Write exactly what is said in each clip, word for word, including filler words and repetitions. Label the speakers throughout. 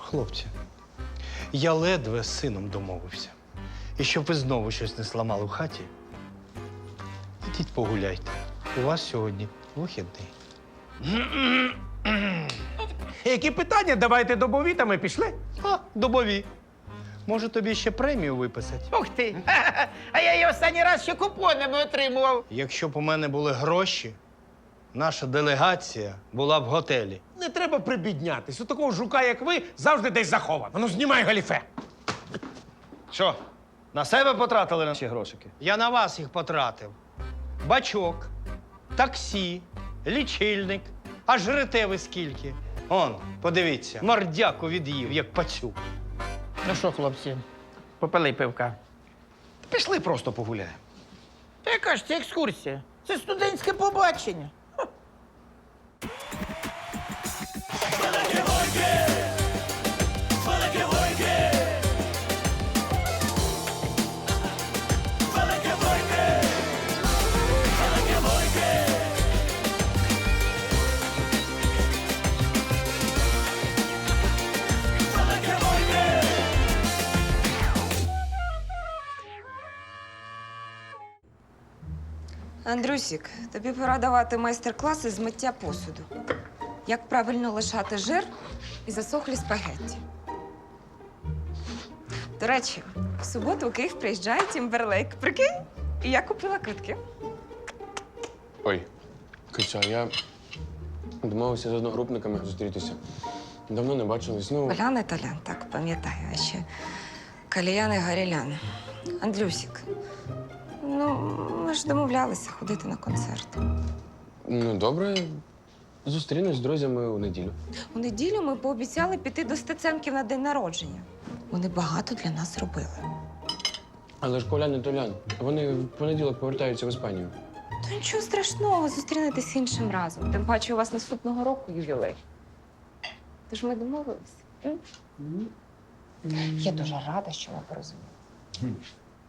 Speaker 1: Хлопці, я ледве з сином домовився. І щоб ви знову щось не зламали в хаті, ідіть погуляйте. У вас сьогодні вихідний.
Speaker 2: Які питання? Давайте добові, та ми пішли.
Speaker 1: А, добові. Може, тобі ще премію виписати?
Speaker 3: Ух ти! А я її останній раз ще купонами отримував.
Speaker 1: Якщо б у мене були гроші, наша делегація була в готелі.
Speaker 2: Не треба прибіднятись. У такого жука, як ви, завжди десь заховано. Ну, знімай галіфе.
Speaker 4: Що, на себе потратили наші грошики?
Speaker 1: Я на вас їх потратив. Бачок, таксі, лічильник. А жрете ви скільки? Он, подивіться, мордяку від'їв, як пацюк.
Speaker 3: Ну що, хлопці, попили пивка.
Speaker 4: Пішли просто погуляємо.
Speaker 3: Та яка ж це екскурсія? Це студентське побачення.
Speaker 5: Андрюсік, тобі пора давати майстер-класи з миття посуду. Як правильно лишати жир і засохлі спагетті. До речі, в суботу у Київ приїжджає Тімберлейк. Прикинь? І я купила квитки.
Speaker 6: Ой, Киця, я домовився з одногрупниками зустрітися. Давно не бачились. Ну,
Speaker 5: Олян і Толян, так, пам'ятаю. А ще Каліян і Гарілян. Андрюсік, ну, ми ж домовлялися ходити на концерт.
Speaker 6: ну добре. Зустрінусь з друзями у неділю.
Speaker 5: У неділю ми пообіцяли піти до Стеценків на день народження. Вони багато для нас зробили.
Speaker 6: Але ж Колян і Толян, вони в понеділок повертаються в Іспанію.
Speaker 5: Та нічого страшного, зустрінетесь іншим разом. Тим паче у вас наступного року ювілей. Тож ми домовилися. М? Я дуже рада, що ви порозуміли.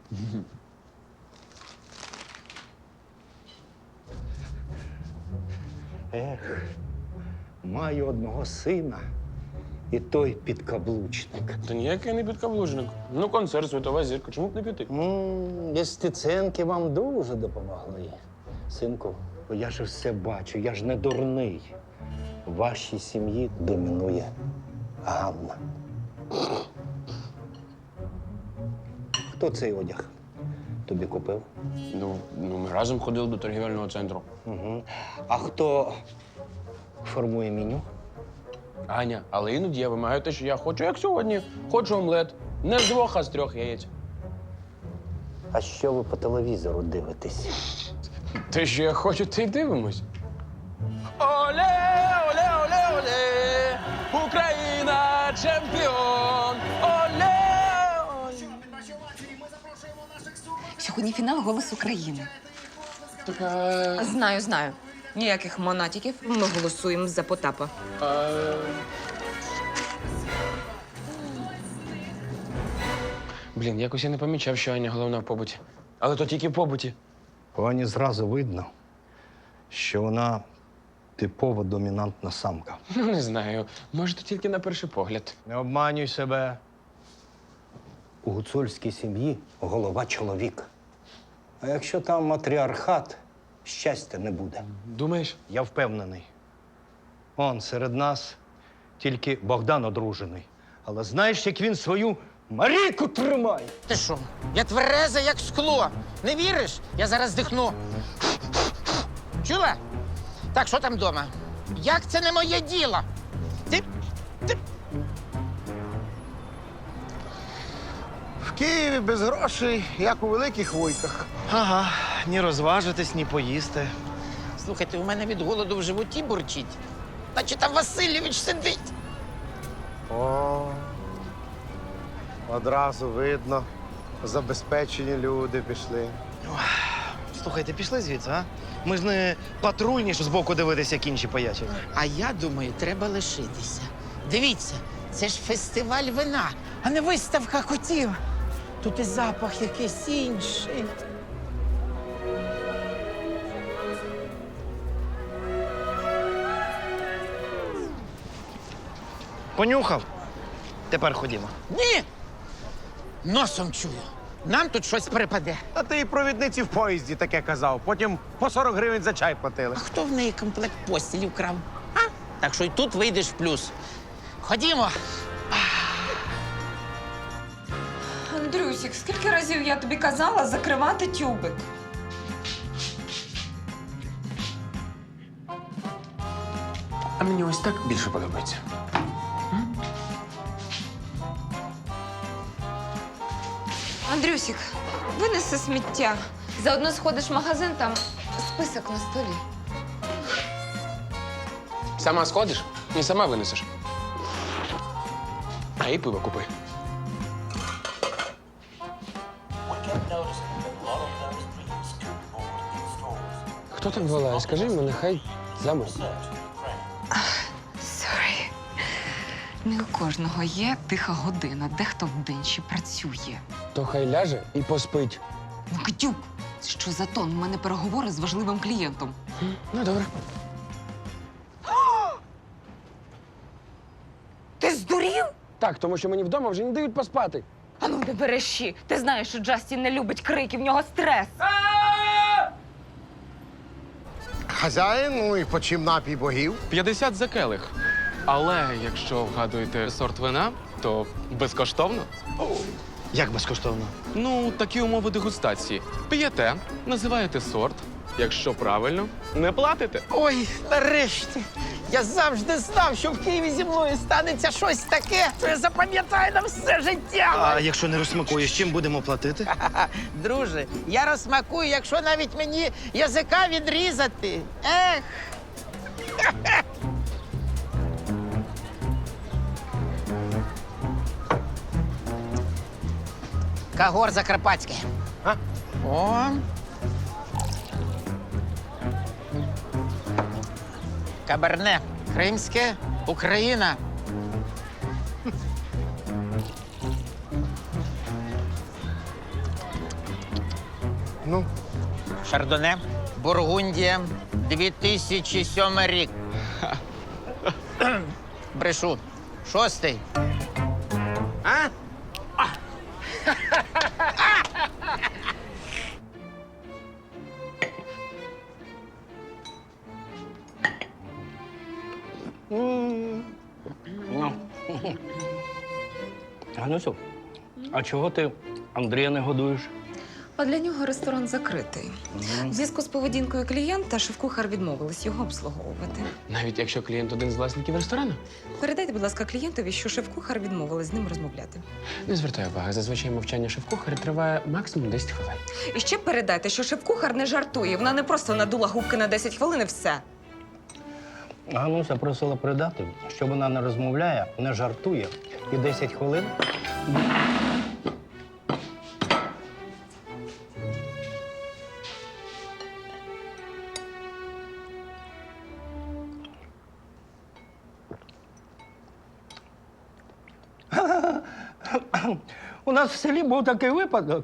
Speaker 1: Ех, маю одного сина, і той підкаблучник.
Speaker 6: Та ніякий не підкаблужник. Ну, концерт, світова зірка. Чому б не піти?
Speaker 1: М, Без Стеценки вам дуже допомогли. Синку, я ж все бачу, я ж не дурний. В вашій сім'ї домінує Ганна. Хто цей одяг тобі купив?
Speaker 6: Ну, ну, ми разом ходили до торгівельного центру.
Speaker 1: Угу. А хто формує меню?
Speaker 6: Аня, але іноді я вимагаю те, що я хочу, як сьогодні. Хочу омлет. Не з двох, а з трьох яєць.
Speaker 1: А що ви по телевізору дивитесь?
Speaker 6: Те, що я хочу, те й дивимось. Оле, оле, оле, оле! Україна чемпіон! Оле! оле.
Speaker 5: Сьогодні фінал «Голос України».
Speaker 6: Така...
Speaker 5: Знаю, знаю. Ніяких монатіків. Ми голосуємо за Потапа.
Speaker 6: А... Блін, якось я не помічав, що Аня головна в побуті. Але то тільки в побуті.
Speaker 1: По Ані зразу видно, що вона типова домінантна самка.
Speaker 6: Ну, не знаю. Може, то тільки на перший погляд.
Speaker 1: Не обманюй себе. У гуцульській сім'ї голова чоловік. А якщо там матріархат, щастя не буде.
Speaker 6: Думаєш?
Speaker 1: Я впевнений. Он серед нас тільки Богдан одружений. Але знаєш, як він свою Марійку тримає?
Speaker 3: Ти що? Я твереза, як скло. Не віриш? Я зараз дихну. Чула? Так, що там вдома? Як це не моє діло? Ти, ти...
Speaker 2: В Києві без грошей, як у великих вуйках.
Speaker 4: Ага, ні розважитись, ні поїсти.
Speaker 3: Слухайте, у мене від голоду в животі бурчить. Наче там Васильович сидить.
Speaker 2: О, одразу видно. Забезпечені люди пішли.
Speaker 4: Слухайте, пішли звідси, а? Ми ж не патрульні, що збоку дивитися, як інші поячать.
Speaker 3: А я думаю, треба лишитися. Дивіться, це ж фестиваль вина, а не виставка котів. Тут і запах якийсь інший.
Speaker 4: Понюхав? Тепер ходімо.
Speaker 3: Ні! Носом чую. Нам тут щось припаде.
Speaker 2: А ти і провідниці в поїзді таке казав. Потім по сорок гривень за чай платили.
Speaker 3: А хто в неї комплект постілі вкрав? А? Так що й тут вийдеш в плюс. Ходімо.
Speaker 5: Андрюсік, скільки разів я тобі казала закривати тюбик?
Speaker 6: А мені ось так більше подобається.
Speaker 5: Андрюсік, винеси сміття. Заодно сходиш в магазин, там список на столі.
Speaker 6: Сама сходиш і сама винесеш. А і пиво купи. Хто там волає? Скажи йому, нехай замовк.
Speaker 5: Сорі. Не у кожного є тиха година, дехто вдень ще працює.
Speaker 6: То хай ляже і поспить.
Speaker 5: Ну, Катюк, це що за тон? У мене переговори з важливим клієнтом.
Speaker 6: Ну, добре.
Speaker 5: Ти здурів?
Speaker 6: Так, тому що мені вдома вже не дають поспати.
Speaker 5: А ну не береші. Ти знаєш, що Джастін не любить крики, в нього стрес.
Speaker 2: Хазяїн, ну і почим напій богів.
Speaker 7: п'ятдесят за келих. Але якщо вгадуєте сорт вина, то безкоштовно.
Speaker 4: Як безкоштовно?
Speaker 7: Ну, такі умови дегустації. П'єте, називаєте сорт. Якщо правильно, не платите.
Speaker 3: Ой, нарешті. Я завжди знав, що в Києві зі мною станеться щось таке, що я запам'ятаю на все життя.
Speaker 4: А якщо не розсмакуєш, чим будемо платити?
Speaker 3: Ха-ха. Друже, я розсмакую, якщо навіть мені язика відрізати. Ех. Кагор Закарпатський.
Speaker 2: А?
Speaker 3: О. Каберне. Кримське. Україна.
Speaker 2: Ну,
Speaker 3: Шардоне. Бургундія. дві тисячі сьомий рік. Брешу. Шостий.
Speaker 2: а?
Speaker 1: Ганусю, а чого ти Андрія не годуєш?
Speaker 5: А для нього ресторан закритий. В зв'язку з поведінкою клієнта шеф-кухар відмовилась його обслуговувати.
Speaker 6: Навіть якщо клієнт один з власників ресторану.
Speaker 5: Передайте, будь ласка, клієнтові, що шеф-кухар відмовилась з ним розмовляти.
Speaker 6: Не звертай уваги, зазвичай мовчання шеф-кухаря триває максимум десять хвилин.
Speaker 5: І ще передайте, що шеф-кухар не жартує. Вона не просто надула губки на десять хвилин і все.
Speaker 1: Гануся просила передати, що вона не розмовляє, не жартує і десять хвилин. У нас в селі був такий випадок.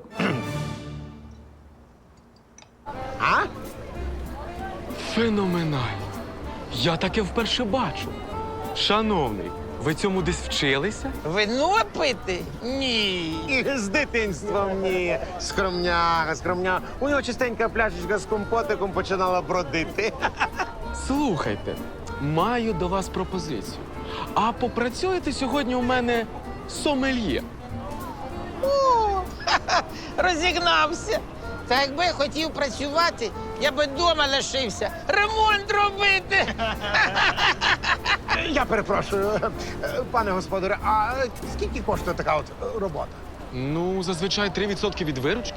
Speaker 2: А?
Speaker 7: Феноменально. Я таке вперше бачу. Шановний, ви цьому десь вчилися?
Speaker 3: Вино пити? Ні.
Speaker 2: І з дитинства ні. Скромняга, скромняга. У нього частенька пляшечка з компотиком починала бродити.
Speaker 7: Слухайте, маю до вас пропозицію. А попрацюєте сьогодні у мене сомельє?
Speaker 3: О, ха-ха, розігнався. Та якби я хотів працювати, я би вдома лишився. Ремонт робити.
Speaker 2: Я перепрошую, пане господаре, а скільки коштує така от робота?
Speaker 7: Ну, зазвичай три відсотки від виручки.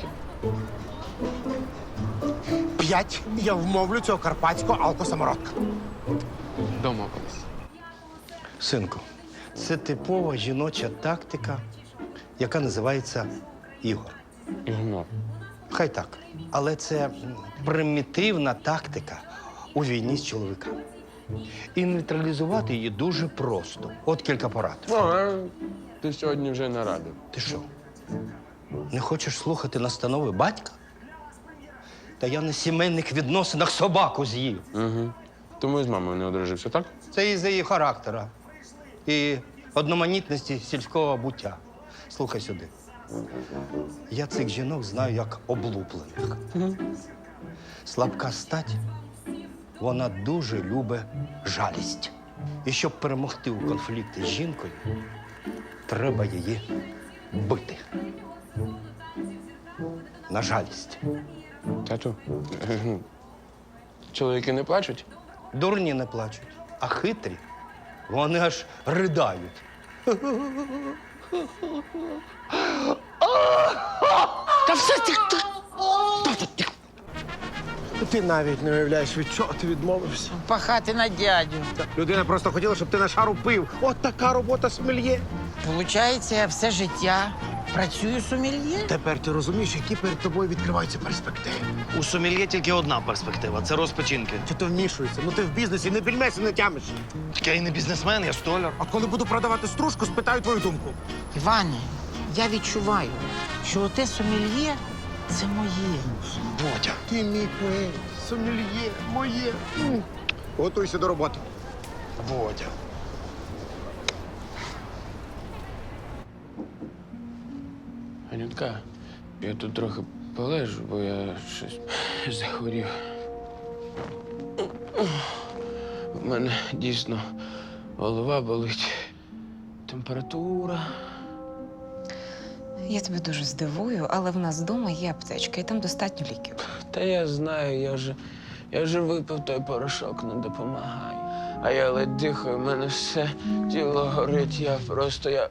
Speaker 2: П'ять. Я вмовлю цього карпатського алкосамородка.
Speaker 7: Домовились.
Speaker 1: Синку, це типова жіноча тактика, яка називається ігор.
Speaker 6: Ігнор.
Speaker 1: Хай так. Але це м, примітивна тактика у війні з чоловіками. І нейтралізувати її дуже просто. От кілька порад.
Speaker 6: О, а ти сьогодні вже нарадив.
Speaker 1: Ти що? Не хочеш слухати настанови батька? Та я на сімейних відносинах собаку з'їв.
Speaker 6: Угу. Тому і з мамою не одружився, так?
Speaker 1: Це із-за її характера і одноманітності сільського буття. Слухай сюди. Я цих жінок знаю як облуплених. Слабка стать, вона дуже любить жалість. І щоб перемогти у конфлікті з жінкою, треба її бити. На жалість.
Speaker 6: Тату, чоловіки не плачуть?
Speaker 1: Дурні не плачуть, а хитрі, вони аж ридають.
Speaker 6: Та все ти. ти-
Speaker 2: Ти навіть не уявляєш, від чого ти відмовився.
Speaker 3: Пахати на дядю.
Speaker 2: Людина просто хотіла, щоб ти на шару пив. От така робота сомельє.
Speaker 3: Получається, я все життя працюю сомельє?
Speaker 2: Тепер ти розумієш, які перед тобою відкриваються перспективи.
Speaker 4: У сомельє тільки одна перспектива це розпочинки.
Speaker 2: Чи ти вмішуєшся? Ну ти в бізнесі не більмеся не тямиш.
Speaker 4: Так я і не бізнесмен, я столяр.
Speaker 2: От коли буду продавати стружку, спитаю твою думку.
Speaker 3: Іване, я відчуваю, що оте сомельє – це моє.
Speaker 4: Бодя.
Speaker 2: Ти мій поет, сомельє, моє. М. Готуйся до роботи.
Speaker 4: Бодя.
Speaker 6: Анютка, я тут трохи полежу, бо я щось захворів. У мене дійсно голова болить, температура.
Speaker 5: Я тебе дуже здивую, але в нас вдома є аптечка, і там достатньо ліків.
Speaker 6: Та я знаю, я же, я же випив той порошок, не допомагає. А я ледь дихаю, в мене все тіло горить, я просто я.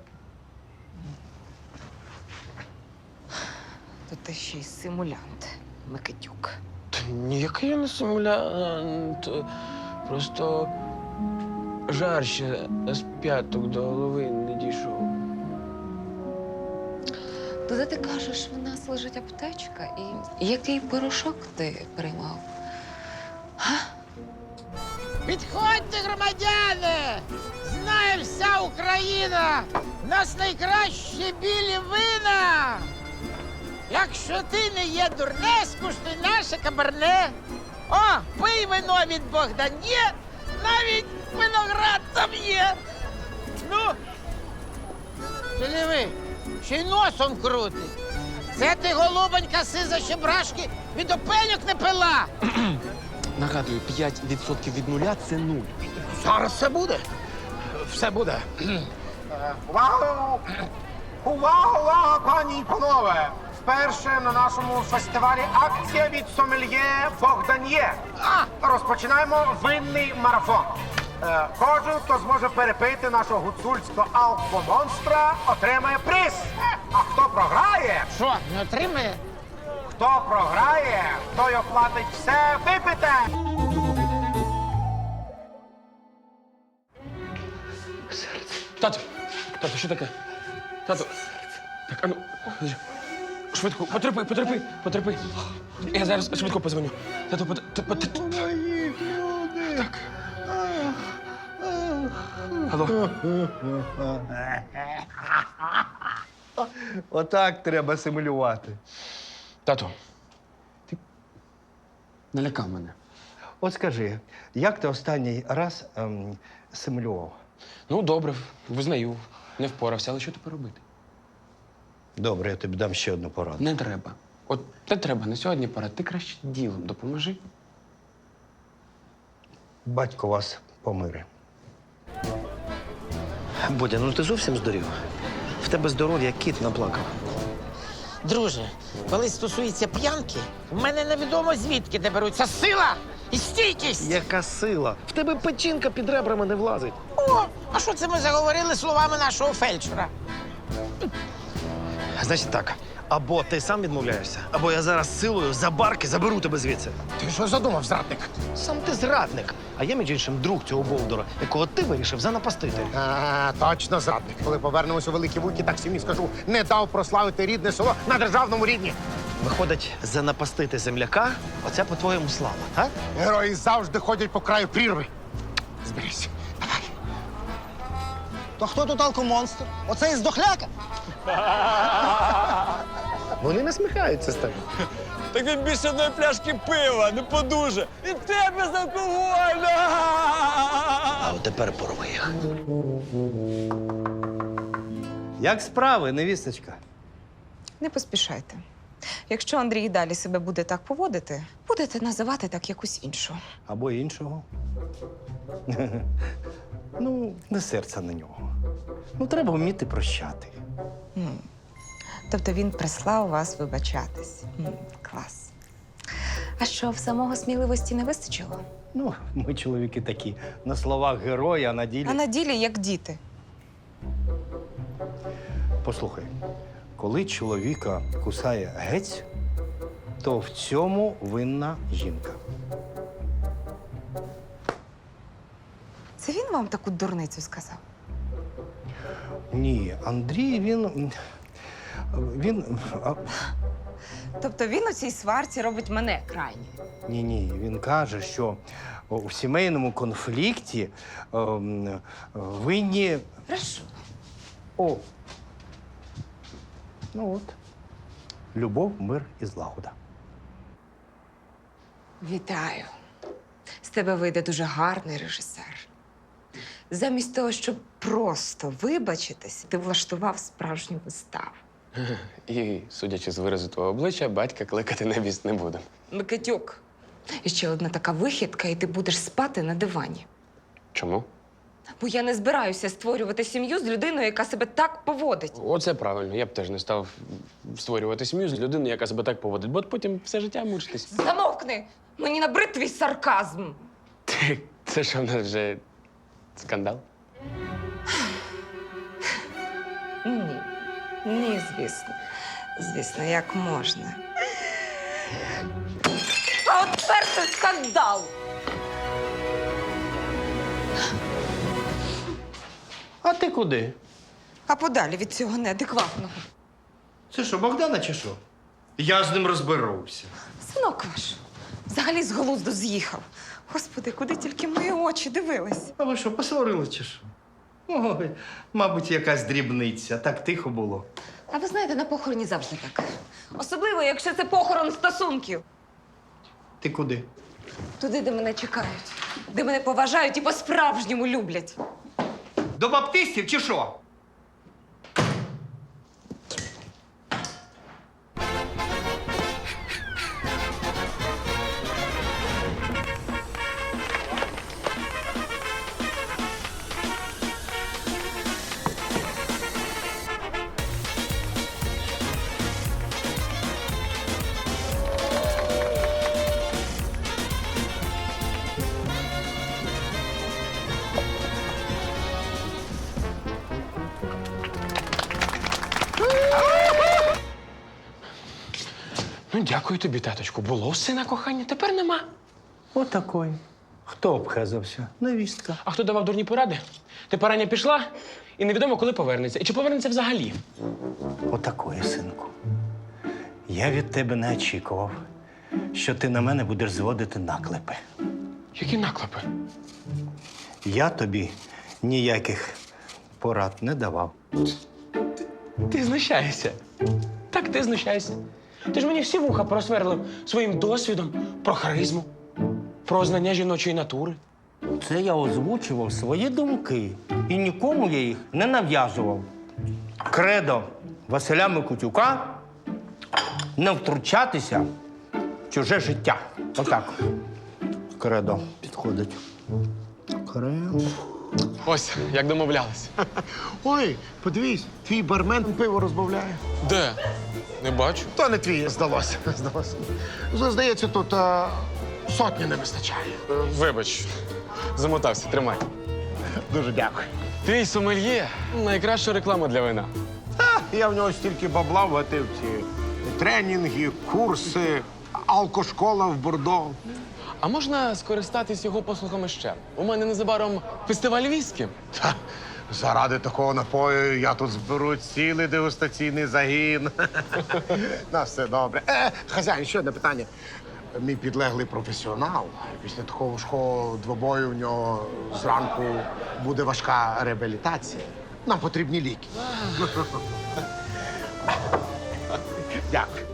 Speaker 5: То ти ще й симулянт, Микитюк.
Speaker 6: Та ніякий я не симулянт. Просто жар ще з п'яток до голови не дійшов.
Speaker 5: Туди ти кажеш, в нас лежить аптечка, і який порошок ти приймав?
Speaker 3: Підходьте, громадяни! Знає вся Україна! В нас найкращі білі вина! Якщо ти не є дурне, скуштуй наше кабарне. О, пий вино від Богдане, навіть виноград там є. Ну, ти диви, ще й носом крутить. Це ти, голубонька, сиза щебрашки, від опелюк не пила.
Speaker 7: Нагадую, п'ять відсотків від нуля це нуль.
Speaker 2: Зараз все буде. Все буде. Увагу! Увага, увага, пані і панове! Вперше на нашому фестивалі акція від сомельє Богдан'є. Розпочинаємо винний марафон. Е, Кожен, хто зможе перепити нашого гуцульського алкомонстра, отримає приз. А хто програє,
Speaker 3: Що, не отримає?
Speaker 2: хто програє, той оплатить все випите.
Speaker 6: Тату! Тату, що таке? Тату! Так, ану, швидко, потерпи, потерпи, потерпи. Я зараз швидко позвоню. Тату, пот... т- пот- Так. Алло.
Speaker 1: Отак треба симулювати.
Speaker 6: Тату, ти налякав мене.
Speaker 1: От скажи, як ти останній раз ем, симулював?
Speaker 6: Ну, добре, визнаю. Не впорався, але що тепер робити?
Speaker 1: Добре, я тобі дам ще одну пораду.
Speaker 6: Не треба. От не треба, на сьогодні пора. Ти краще ділом допоможи.
Speaker 1: Батько вас помире.
Speaker 4: Бодя, ну ти зовсім здурів? В тебе здоров'я кіт наплакав.
Speaker 3: Друже, коли стосується п'янки, в мене невідомо звідки де беруться сила і стійкість.
Speaker 4: Яка сила? В тебе печінка під ребрами не влазить.
Speaker 3: О, а що це ми заговорили словами нашого фельдшера?
Speaker 4: Значить так, або ти сам відмовляєшся, або я зараз силою за барки заберу тебе звідси.
Speaker 2: Ти що задумав, зрадник?
Speaker 4: Сам ти зрадник, а я, між іншим, друг цього Болдора, якого ти вирішив занапастити.
Speaker 2: А, точно зрадник. Коли повернемося у Великі Вуйки, так сім'ї скажу, не дав прославити рідне село на державному рівні.
Speaker 4: Виходить, занапастити земляка – оце по-твоєму слава, а?
Speaker 2: Герої завжди ходять по краю прірви. Зберись. Давай.
Speaker 8: То хто тут алкомонстр? Оцей здохляка?
Speaker 2: Вони насміхаються з тебе.
Speaker 9: Так він більше одної пляшки пива, не подуже. І те безалкогольне!
Speaker 4: А от тепер порви їх.
Speaker 8: Як справи, невісточка?
Speaker 5: Не поспішайте. Якщо Андрій і далі себе буде так поводити, будете називати так якусь іншу.
Speaker 8: Або іншого. Ну, не серця на нього. Ну, треба вміти прощати.
Speaker 5: М. Тобто він прислав вас вибачатись. М, Клас. А що, в самого сміливості не вистачило?
Speaker 8: Ну, ми чоловіки такі. На словах герої, а на ділі.
Speaker 5: А на ділі як діти.
Speaker 8: Послухай, коли чоловіка кусає гець, то в цьому винна жінка.
Speaker 5: Це він вам таку дурницю сказав?
Speaker 8: Ні, Андрій, він. Він. а,
Speaker 5: Тобто він у цій сварці робить мене крайньою.
Speaker 8: Ні, ні, він каже, що у сімейному конфлікті ем, винні.
Speaker 5: Прошу.
Speaker 8: О. Ну от. Любов, мир і злагода.
Speaker 5: Вітаю. З тебе вийде дуже гарний режисер. Замість того, щоб просто вибачитись, ти влаштував справжню виставу.
Speaker 6: І, судячи з виразу твого обличчя, батька кликати на віст не буду.
Speaker 5: Микитюк. І ще одна така вихідка, і ти будеш спати на дивані.
Speaker 6: Чому?
Speaker 5: Бо я не збираюся створювати сім'ю з людиною, яка себе так поводить.
Speaker 6: Оце правильно. Я б теж не став створювати сім'ю з людиною, яка себе так поводить, бо потім все життя мучитись.
Speaker 5: Замовкни! Мені набрид твій сарказм.
Speaker 6: Ти, це що в нас вже скандал?
Speaker 5: Ні. Ні, звісно. Звісно, як можна. А от тепер це скандал!
Speaker 8: А ти куди?
Speaker 5: А подалі від цього неадекватного.
Speaker 8: Це що, Богдана чи що? Я з ним розберуся.
Speaker 5: Синок ваш взагалі з глузду з'їхав. Господи, куди тільки мої очі дивились?
Speaker 8: А ви що, посварили чи що? Ой, мабуть, якась дрібниця. Так тихо було.
Speaker 5: А ви знаєте, на похороні завжди так. Особливо, якщо це похорон стосунків.
Speaker 8: Ти куди?
Speaker 5: Туди, де мене чекають, де мене поважають і по-справжньому люблять.
Speaker 8: До баптистів чи що?
Speaker 6: Ну, дякую тобі, таточку. Було в сина кохання, тепер нема.
Speaker 8: Отакой. Хто обхезався? Невістка.
Speaker 6: А хто давав дурні поради? Тепер Аня пішла, і невідомо, коли повернеться. І чи повернеться взагалі?
Speaker 8: Отакої, синку. Я від тебе не очікував, що ти на мене будеш зводити наклепи.
Speaker 6: Які наклепи?
Speaker 8: Я тобі ніяких порад не давав.
Speaker 6: Ти знущаєшся. Так, ти знущаєшся. Ти ж мені всі вуха просверлив своїм досвідом про харизму, про знання жіночої натури.
Speaker 8: Це я озвучував свої думки. І нікому я їх не нав'язував. Кредо Василя Микитюка – не втручатися в чуже життя. Отак. Кредо підходить. Кредо.
Speaker 7: Ось, як домовлялись.
Speaker 2: Ой, подивись, твій бармен пиво розбавляє.
Speaker 7: Де? Не бачу.
Speaker 2: То не твій, здалося. здалося. Здається, тут а, сотні не вистачає.
Speaker 7: Е, Вибач, замотався, тримай.
Speaker 2: Дуже дякую.
Speaker 7: Твій сомельє – найкраща реклама для вина.
Speaker 2: Я в нього стільки бабла вгатив ці тренінги, курси, алкошкола в Бордо.
Speaker 7: А можна скористатись його послугами ще? У мене незабаром фестиваль віскі.
Speaker 2: Та, заради такого напою я тут зберу цілий дегустаційний загін. На все добре. Е, хазяїн, ще одне питання. Мій підлеглий професіонал. Після такого важкого двобою в нього зранку буде важка реабілітація. Нам потрібні ліки. Дякую.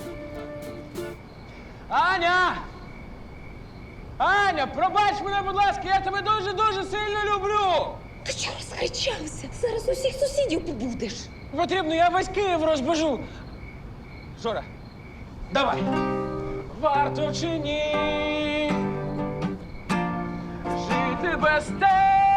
Speaker 6: Аня! Аня, пробач мене, будь ласка, я тебе дуже-дуже сильно люблю!
Speaker 5: Ти чого розкричався? Зараз усіх сусідів побудеш.
Speaker 6: Потрібно, я весь Київ розбежу. Жора, давай. Варто чи ні жити без тебе,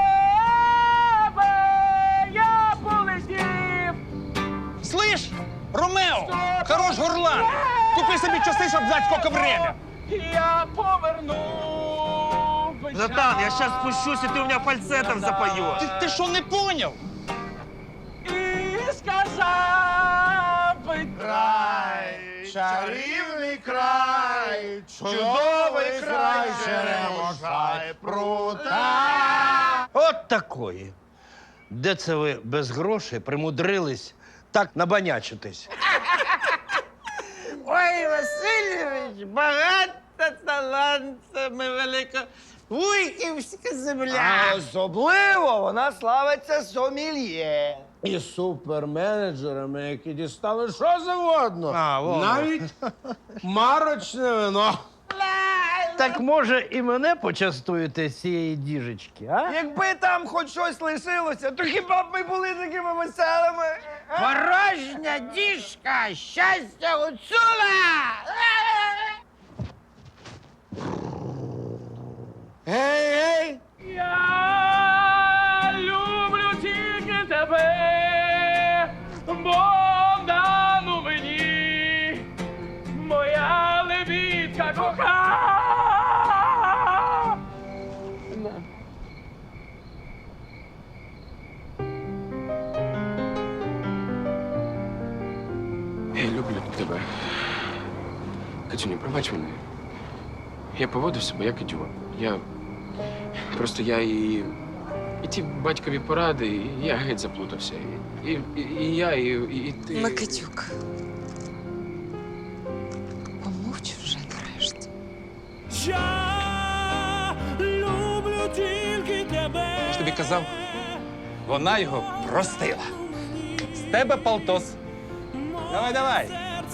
Speaker 6: я полетів.
Speaker 9: Слышь, Ромео, хорош горлан. Купи собі часи, щоб знати, скільки время.
Speaker 6: Я поверну.
Speaker 9: Братан, я сейчас спущусь, и ты у меня фальцетом запоешь. Ты, ты что, не понял?
Speaker 6: І сказав би край.
Speaker 2: Чарівний край, чудовий край, черемоша і прута.
Speaker 8: От такої. Де це ви без грошей примудрились так набанячитись?
Speaker 3: Ой, Васильович, багата талантами велика. Вуйківська земля.
Speaker 4: А особливо вона славиться сомельє.
Speaker 2: І суперменеджерами, які дістали що завгодно.
Speaker 8: А, вон.
Speaker 2: Навіть марочне вино.
Speaker 8: Так може і мене почастуєте з цієї діжечки, а?
Speaker 4: Якби там хоч щось лишилося, то хіба б ми були такими веселими?
Speaker 3: Порожня діжка, щастя гуцула!
Speaker 2: Гей, гей!
Speaker 6: Я люблю тільки тебе, бо дану мені моя лебідка кохана. Я люблю тебе. Катюню, пробач мене. Я поводив себе як ідіот. Я просто я і. І ті батькові поради, і я геть заплутався. І, і, і я, і, і ти.
Speaker 5: Микитюк. Помовч вже нарешті.
Speaker 9: Я люблю тільки тебе. Я ж тобі казав, вона його простила. З тебе полтос. Давай, давай.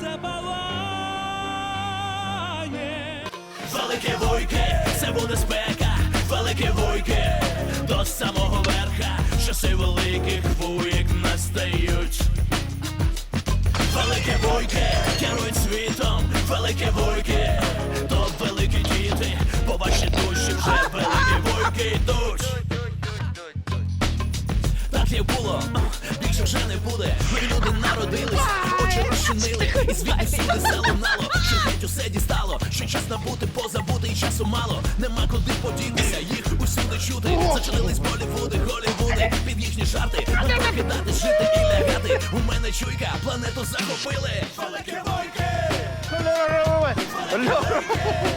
Speaker 10: Велике вуйки, це буде спека, велике вуйки, до самого верха, часи великих вуйк настають. Велике вуйки, керують світом, велике вуйки, то великі діти, по вашій душі вже великі вуйки йдуть. Так як було, більше вже не буде. Нові люди народились, очі розчинили, і звідти всюди залунало, що геть усе дістало, що час набути, позабути, і часу мало. Нема куди подітися, їх усюди чути. Зачинились Болівуди, Голівуди, під їхні жарти. Не покидати, жити і лягати. У мене чуйка, планету захопили. Велике вуйки!